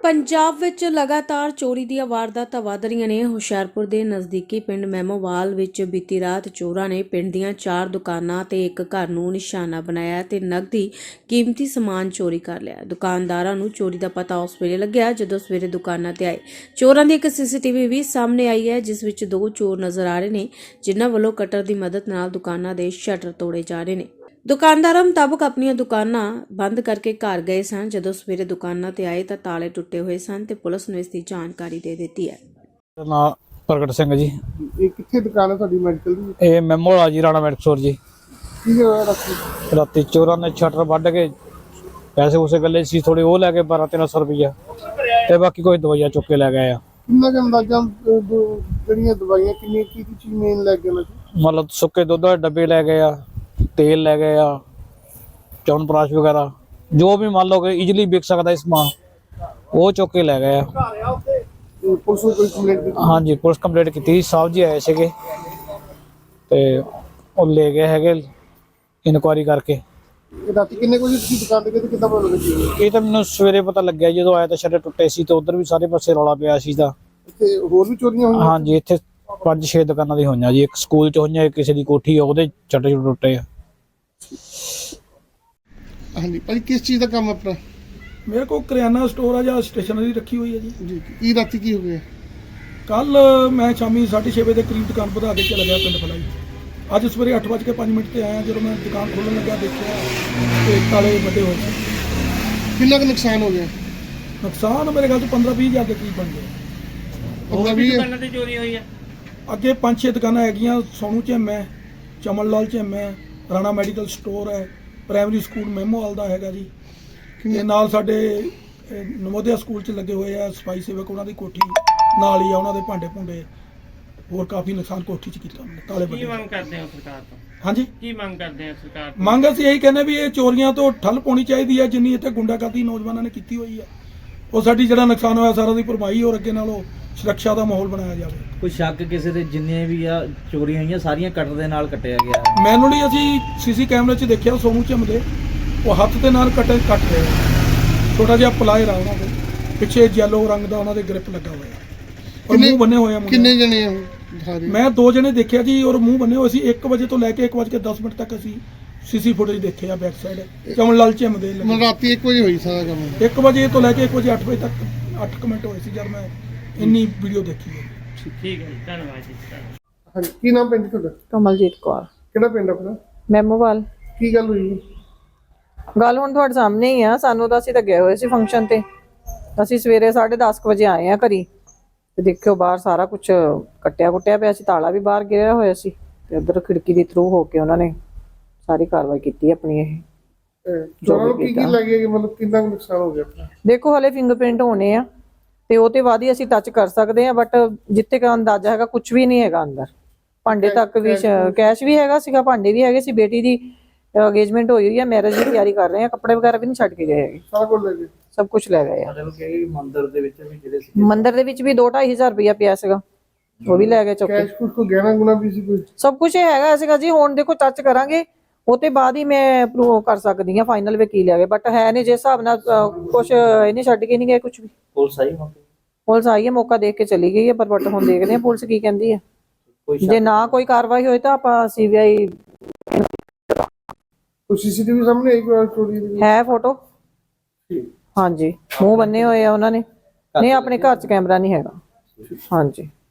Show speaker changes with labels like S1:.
S1: ਪੰਜਾਬ ਵਿੱਚ ਲਗਾਤਾਰ ਚੋਰੀ ਦੀਆਂ ਵਾਰਦਾਤਾਂ ਵਧ ਰਹੀਆਂ ਨੇ। ਹੁਸ਼ਿਆਰਪੁਰ ਦੇ ਨਜ਼ਦੀਕੀ ਪਿੰਡ ਮੈਮੋਵਾਲ ਵਿੱਚ ਬੀਤੀ ਰਾਤ ਚੋਰਾਂ ਨੇ ਪਿੰਡ ਦੀਆਂ 4 ਦੁਕਾਨਾਂ ਤੇ ਇੱਕ ਘਰ ਨੂੰ ਨਿਸ਼ਾਨਾ ਬਣਾਇਆ ਤੇ ਨਕਦੀ ਕੀਮਤੀ ਸਮਾਨ ਚੋਰੀ ਕਰ ਲਿਆ। ਦੁਕਾਨਦਾਰਾਂ ਨੂੰ ਚੋਰੀ ਦਾ ਪਤਾ ਉਸ ਵੇਲੇ ਲੱਗਿਆ ਜਦੋਂ ਸਵੇਰੇ ਦੁਕਾਨਾਂ ਤੇ ਆਏ। ਚੋਰਾਂ ਦੀ ਇੱਕ ਸੀਸੀਟੀਵੀ ਵੀ ਸਾਹਮਣੇ ਆਈ ਹੈ ਜਿਸ ਵਿੱਚ 2 ਚੋਰ ਨਜ਼ਰ ਆ ਰਹੇ ਨੇ ਜਿਨ੍ਹਾਂ ਵੱਲੋਂ ਕਟਰ ਦੀ ਮਦਦ ਨਾਲ ਦੁਕਾਨਾਂ ਦੇ ਸ਼ਟਰ ਤੋੜੇ ਜਾ ਰਹੇ ਨੇ। ਦੁਕਾਨਦਾਰਾਂ ਮੁਤਾਬਕ ਆਪਣੀਆਂ ਦੁਕਾਨਾਂ ਬੰਦ ਕਰਕੇ ਘਰ ਗਏ ਸਨ। ਜਦੋਂ ਸਵੇਰੇ ਦੁਕਾਨਾਂ ਤੇ ਆਏ ਤਾਂ ਤਾਲੇ ਟੁੱਟੇ ਹੋਏ ਸਨ ਤੇ ਪੁਲਿਸ ਨੂੰ ਇਸ ਦੀ ਜਾਣਕਾਰੀ ਦੇ ਦਿੱਤੀ ਹੈ।
S2: ਨਾਮ ਪ੍ਰਗਟ ਸਿੰਘ ਜੀ।
S3: ਇਹ ਕਿੱਥੇ ਦੁਕਾਨ ਹੈ ਤੁਹਾਡੀ ਮੈਡੀਕਲ ਦੀ?
S2: ਇਹ ਮੈਮੋਵਾਲ ਜੀ, ਰਾਣਾ ਮੈਡੀਕਲ ਸਟੋਰ ਜੀ।
S3: ਕੀ ਹੋਇਆ
S2: ਰਾਤੀ ਚੋਰਾਂ ਨੇ ਸ਼ਟਰ ਵੱਢ ਕੇ ਪੈਸੇ ਉਸੇ ਗੱਲੇ ਸੀ ਥੋੜੇ ਉਹ ਲੈ ਕੇ 1200-1300 ਰੁਪਈਆ ਤੇ ਬਾਕੀ ਕੋਈ ਦਵਾਈਆਂ ਚੁੱਕ ਕੇ ਲੈ ਗਏ ਆ।
S3: ਕਿੰਨਾ ਕੁ ਅੰਦਾਜ਼ਾ ਜਿਹੜੀਆਂ ਦਵਾਈਆਂ ਕਿੰਨੀ ਕੀ ਚੀਜ਼ ਮੇਨ ਲੈ ਗਏ?
S2: ਮਤਲਬ ਸੁੱਕੇ ਦੁੱਧ ਦੇ ਡੱਬੇ ਲੈ ਗਏ ਆ, तेल ले गए चवनप्राश वगैरह जो भी मान लो कि इजीली बिक सकता है समान वो चुक के ले गए। हाँ जी, पुलिस कंप्लेंट की साहब जी आए थे तो ले गए है इनकुआरी करके। ये तो मैंने सवेरे पता लग गया जो आया तो शटर टुटे सी तो उधर भी सारे पासे रौला पिया सी। हाँ जी, इत्थे 5-6 दुकानां दी होईयां जी। एक स्कूल च होईयां, एक किसी दी कोठी है ओहदे शटर टुटे आ।
S3: हाँ जी भाई, किस चीज़ का काम है अपना?
S4: मेरे को करियाना स्टोर है या स्टेशनरी रखी हुई है जी।
S3: की रात की हो गया?
S4: कल मैं शामी 6:30 बजे के करीब दुकान बढ़ा के चला गया पिंड फलाई। अज सवेरे 8:05 से आया। जो मैं दुकान खोलने लगा देखा तो ताले बड़े हो गए।
S3: कितना का नुकसान हो गया?
S4: नुकसान मेरे ख्याल से 15-20 हज़ार के करीब बन गया।
S2: चोरी हुई है
S4: अगे 5-6 दुकाना है, सोनू झिम है, चमनलाल झिम है, राणा मैडिकल स्टोर है, प्राइमरी स्कूल मैमोवाल का है जी। ते नाल साडे नवोदया स्कूल च लगे हुए हैं सफाई सेवक, उन्हां दी कोठी नाल ही आ, उन्हां दे भांडे भुंडे होर काफ़ी नुकसान कोठी च कीता। ताले बड़े। की मंग करदे हो सरकार तो? हाँ जी, की मंग करदे हो सरकार तो? मंग असीं यही कहने भी ये चोरियां तो ठल पाउणी चाहीदी है जिन्नी इत्थे गुंडागर्दी नौजवानों ने कीती हुई है। ਉਹ ਸਾਡੀ ਜਿਹੜਾ ਨੁਕਸਾਨ ਹੋਇਆ ਸਾਰਾ ਦੀ ਭਰਪਾਈ ਹੋਰ ਅੱਗੇ ਨਾਲੋਂ ਸੁਰੱਖਿਆ ਦਾ ਮਾਹੌਲ ਬਣਾਇਆ ਜਾਵੇ।
S5: ਕੋਈ ਸ਼ੱਕ ਕਿਸੇ ਦੇ ਜਿੰਨੇ ਵੀ ਆ ਚੋਰੀਆਂ ਹੋਈਆਂ ਸਾਰੀਆਂ ਕਟਰ ਦੇ ਨਾਲ ਕੱਟਿਆ ਗਿਆ ਹੈ?
S4: ਮੈਨੂਅਲੀ ਅਸੀਂ ਸੀਸੀ ਕੈਮਰੇ 'ਚ ਦੇਖਿਆ ਸੋਨੂ ਝਿਮ ਦੇ ਉਹ ਹੱਥ ਦੇ ਨਾਲ ਕੱਟ ਰਹੇ ਆ। ਛੋਟਾ ਜਿਹਾ ਪਲਾਇਰ ਆ ਉਹਨਾਂ ਦੇ ਪਿੱਛੇ ਯੈਲੋ ਰੰਗ ਦਾ ਉਹਨਾਂ ਦੇ ਗ੍ਰਿਪ ਲੱਗਾ ਹੋਇਆ ਔਰ ਮੂੰਹ ਬੰਨੇ ਹੋਏ ਆ।
S3: ਕਿੰਨੇ ਜਣੇ ਆ?
S4: ਮੈਂ 2 ਜਣੇ ਦੇਖਿਆ ਜੀ ਔਰ ਮੂੰਹ ਬੰਨੇ ਹੋਏ ਸੀ। 1 ਵਜੇ ਤੋਂ ਲੈ ਕੇ 1:10 ਤੱਕ ਅਸੀਂ सीसी फुटेज देखे आ बैक साइड चमनलाल झिम दे।
S3: रात 1 बजे हुई सारा काम?
S4: 1 बजे तो लैके 1 बजे 8 बजे तक 8 मिनट हुए जब मैं इन्नी वीडियो देखी है।
S2: ठीक है, धन्यवाद जी।
S3: हाँ, की नाम पिंड ਤੁਹਾਡਾ?
S6: ਕਮਲਜੀਤ ਕੌਰ।
S3: ਕਿਹੜਾ ਪਿੰਡ ਆਪਣਾ?
S6: ਮੈਮੋਵਾਲ।
S3: ਕੀ ਗੱਲ ਹੋਈ?
S6: ਗੱਲ ਹੁਣ ਤੁਹਾਡੇ ਸਾਹਮਣੇ ਹੀ ਆ। ਸਾਨੂੰ ਤਾਂ ਅਸੀਂ ਤਾਂ ਗਏ ਹੋਏ ਸੀ ਫੰਕਸ਼ਨ ਤੇ। ਅਸੀਂ ਸਵੇਰੇ 10:30 ਵਜੇ ਆਏ ਆ ਘਰੀ ਤੇ ਦੇਖਿਓ ਬਾਹਰ ਸਾਰਾ ਕੁਝ ਕੱਟਿਆ ਪਿਆ ਸੀ। ਤਾਲਾ ਵੀ ਬਾਹਰ ਗਿਰਿਆ ਹੋਇਆ ਸੀ ਤੇ ਉਧਰ ਖਿੜਕੀ ਦੇ ਥਰੂ ਹੋ ਕੇ ਉਹਨਾਂ ਨੇ ਸਾਰੀ ਕਾਰਵਾਈ ਕੀਤੀ ਆਪਣੀ। ਇਹ
S3: ਚੋਰਾਂ ਨੂੰ ਕੀ ਲੱਗਿਆ ਕਿ ਮਤਲਬ ਕਿੰਨਾ ਨੁਕਸਾਨ ਹੋ ਗਿਆ ਆਪਣਾ?
S6: ਦੇਖੋ ਹਲੇ ਫਿੰਗਰਪ੍ਰਿੰਟ ਹੋਣੇ ਆ ਤੇ ਉਹ ਤੇ ਬਾਅਦ ਹੀ ਅਸੀਂ ਟੱਚ ਕਰ ਸਕਦੇ ਆ, ਬਟ ਜਿੱਥੇ ਦਾ ਅੰਦਾਜ਼ਾ ਹੈਗਾ ਕੁਝ ਵੀ ਨਹੀਂ ਹੈਗਾ ਅੰਦਰ। ਭਾਂਡੇ ਤੱਕ ਵੀ ਕੈਸ਼ ਵੀ ਹੈਗਾ ਸੀਗਾ, ਭਾਂਡੇ ਵੀ ਹੈਗੇ ਸੀ। ਬੇਟੀ ਦੀ ਅੰਗੇਜਮੈਂਟ ਹੋਈ ਹੈ, ਮੈਰਿਜ ਦੀ ਤਿਆਰੀ ਕਰ ਰਹੇ ਆ, ਕੱਪੜੇ ਵਗੈਰਾ ਵੀ ਨਹੀਂ ਛੱਡ ਕੇ ਗਏ ਹੈਗੇ।
S3: ਸਾਰਾ ਕੁਝ ਲੈ ਗਏ?
S6: ਸਭ ਕੁਝ ਲੈ ਗਏ ਆ।
S5: ਮਤਲਬ ਕਿ ਮੰਦਿਰ ਦੇ ਵਿੱਚ ਵੀ ਜਿਹੜੇ ਸੀ,
S6: ਮੰਦਿਰ ਦੇ ਵਿੱਚ ਵੀ 2-2.5 ਹਜ਼ਾਰ ਰੁਪਇਆ ਪਿਆ ਸੀਗਾ, ਉਹ ਵੀ ਲੈ ਗਏ ਚੁੱਕ ਕੇ।
S3: ਕੈਸ਼ ਕੁਝ ਕੋ ਗਹਿਣਾ ਗੁਣਾ ਵੀ ਸੀ ਕੋਈ?
S6: ਸਭ ਕੁਝ ਹੈਗਾ ਸੀਗਾ ਜੀ। ਹੁਣ ਦੇਖੋ ਟੱਚ ਕਰਾਂਗੇ ਉਹ ਤੇ ਬਾਅਦ ਹੀ ਮੈਂ ਪ੍ਰੂਵ ਕਰ ਸਕਦੀ ਹਾਂ ਫਾਈਨਲ ਵਕੀਲ ਹੈਗੇ, ਬਟ ਹੈ ਨਹੀਂ ਜਿਸ ਹਿਸਾਬ ਨਾਲ ਕੁਝ ਇਹਨੇ ਛੱਡ ਕੇ ਨਹੀਂ ਗਏ ਕੁਝ ਵੀ।
S5: ਪੁਲਿਸ ਆਈ ਮੌਕੇ?
S6: ਪੁਲਿਸ ਆਈ ਹੈ, ਮੌਕਾ ਦੇਖ ਕੇ ਚਲੀ ਗਈ ਹੈ, ਪਰ ਬਟ ਹੁਣ ਦੇਖਦੇ ਹਾਂ ਪੁਲਿਸ ਕੀ ਕਹਿੰਦੀ ਹੈ। ਜੇ ਨਾ ਕੋਈ ਕਾਰਵਾਈ ਹੋਈ ਤਾਂ ਆਪਾਂ ਸੀਬੀਆਈ।
S3: ਕੋਈ ਸੀਸੀਟੀਵੀ ਸਾਹਮਣੇ ਆਈ ਕੋਈ ਚੋਰੀ ਦੀ?
S6: ਹੈ ਫੋਟੋ। ਹਾਂਜੀ, ਮੂੰਹ ਬੰਨੇ ਹੋਏ ਆ ਉਹਨਾਂ ਨੇ। ਨਹੀਂ, ਆਪਣੇ ਘਰ 'ਚ ਕੈਮਰਾ ਨਹੀਂ ਹੈਗਾ। ਹਾਂਜੀ।